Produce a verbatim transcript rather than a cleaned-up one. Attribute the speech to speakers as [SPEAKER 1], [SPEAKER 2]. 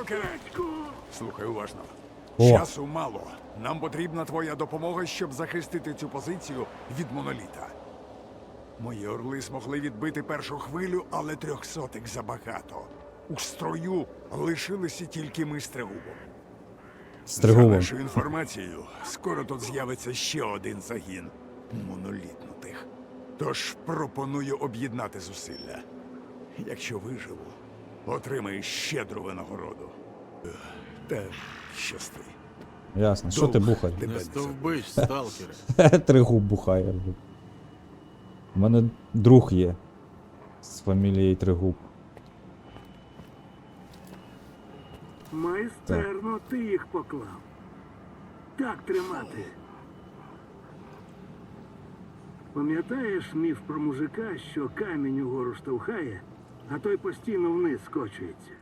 [SPEAKER 1] Сталкере! Слухай уважно.
[SPEAKER 2] О.
[SPEAKER 1] Часу мало. Нам потрібна твоя допомога, щоб захистити цю позицію від моноліта. Мої орли змогли відбити першу хвилю, але трьохсотих забагато. У строю лишилися тільки ми з Трегубом. За
[SPEAKER 2] Стригулом.
[SPEAKER 1] нашою інформацією, скоро тут з'явиться ще один загін монолітнутих. Тож пропоную об'єднати зусилля. Якщо виживу, отримаєш щедру винагороду. Ех, Та щасти.
[SPEAKER 2] Ясно. Що ти
[SPEAKER 1] Довг
[SPEAKER 2] бухаєш?
[SPEAKER 1] тебе
[SPEAKER 3] Не
[SPEAKER 1] не
[SPEAKER 3] стовбич, сталкере.
[SPEAKER 2] Тригуб бухає. У мене друг є. З фамілією Тригуб.
[SPEAKER 4] Майстерно ти їх поклав. Так тримати. Пам'ятаєш міф про мужика, що камінь угору штовхає, а той постійно вниз скочується?